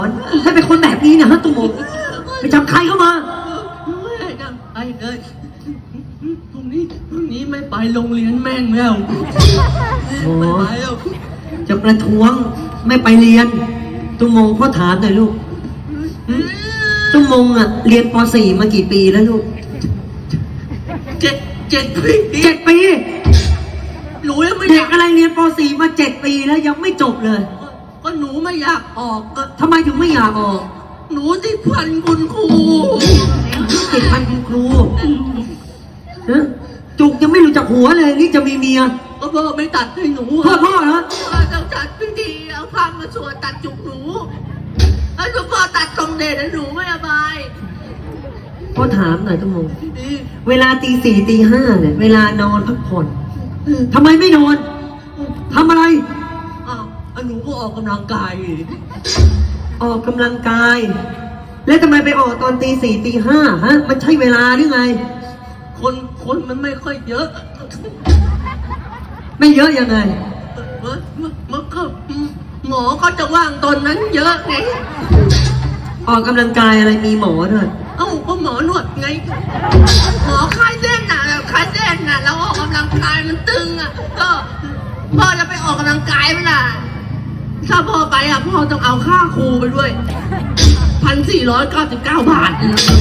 ให้เป็นคนแบบนี้นะฮะตุ้มงไปจับใครเข้ามาไม่จับใครเลยพรุ่งนี้ไม่ไปโรงเรียนแม่งแล้วไม่ไปแล้วจะประท้วงไม่ไปเรียนตุ้มงพ่อถามหน่อยลูกตุ้มงอ่ะเรียนป .4 มากี่ปีแล้วลูก7 ปีหนูยังไม่เด็กอะไรเรียนป .4 มา7 ปีแล้วยังไม่จบเลยก็หนูไม่อยากออกก็ทำไมถึงไม่อยากออกหนูติดพันคุณครูติดพันคุณครูจุกยังไม่รู้จักหัวเลยนี่จะมีเมียก็พ่อไม่ตัดให้หนูพ่อเหรอต้องจัดพิธีเอาผ้ามาสวดตัดจุกหนูแล้วหนูพ่อตัดตรงเดชหนูไม่สบายพ่อถามหน่อยตุ้มงเวลาตี 4 ตี 5เนี่ยเวลานอนพักผ่อนทำไมไม่นอนทำอะไรหนูก็ออกกำลังกายออกกำลังกายแล้วทำไมไปออกตอนตี 4 ตี 5ฮะมันใช่เวลาหรือไงคนมันไม่ค่อยเยอะไม่เยอะยังไงมันก็หมอก็จะว่างตอนนั้นเยอะไงออกกำลังกายอะไรมีหมอด้วยก็หมอนวดไงหมอคลายเส้นน่ะคลายเส้นน่ะแล้วออกกำลังกายมันตึงอ่ะก็พ่อจะไปออกกำลังกายไหมล่ะถ้าพ่อไปพ่อต้องเอาค่าครูไปด้วย1,499 บาท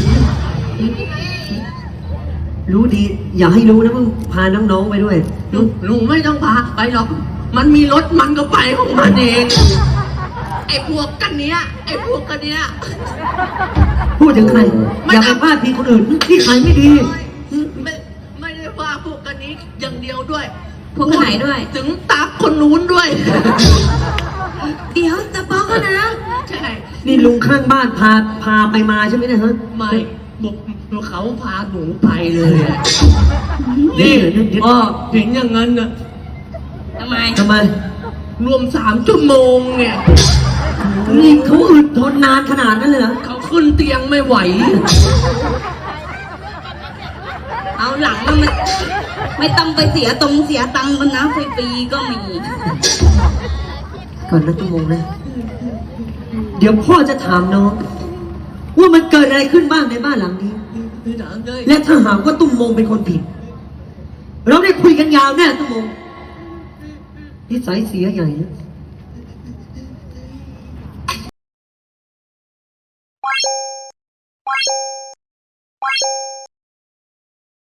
รู้ดีอย่าให้รู้นะมึงพาน้องๆไปด้วยหนูไม่ต้องพาไปหรอกมันมีรถมันก็ไปของมันเองไอ้พวกกันเนี้ยพูดถึงใครอย่าไปพาดพิงคนอื่นที่ใครไม่ดีไม่ได้ว่าพวกกันนี้อย่างเดียวด้วยพวกไหนด้วยถึงตักคนนู้นด้วยเดี๋ยวตะป๊อกนะใช่นี่ลุงข้างบ้านพาไปมาใช่ไหมเนี่ยฮะไม่บอกเขาพาหนูไปเลยนี่พ่อเห็นอย่างนั้นนะทำไมรวม3 ชั่วโมงเนี่ยนี่เขาอึดทนนานขนาดนั้นเลยเหรอเขาขึ้นเตียงไม่ไหวเอาหลังมันไม่ต้องไปเสียตังค์กันนะฟรีๆก็มีก่อนนะตุ้มงนะเดี๋ยวพ่อจะถามน้องว่ามันเกิดอะไรขึ้นบ้างในบ้านหลังนี้และถ้าหากว่าตุ้มมงเป็นคนผิดเราได้คุยกันยาวแน่ตุ้มมงนิสัยเสียใหญ่นะ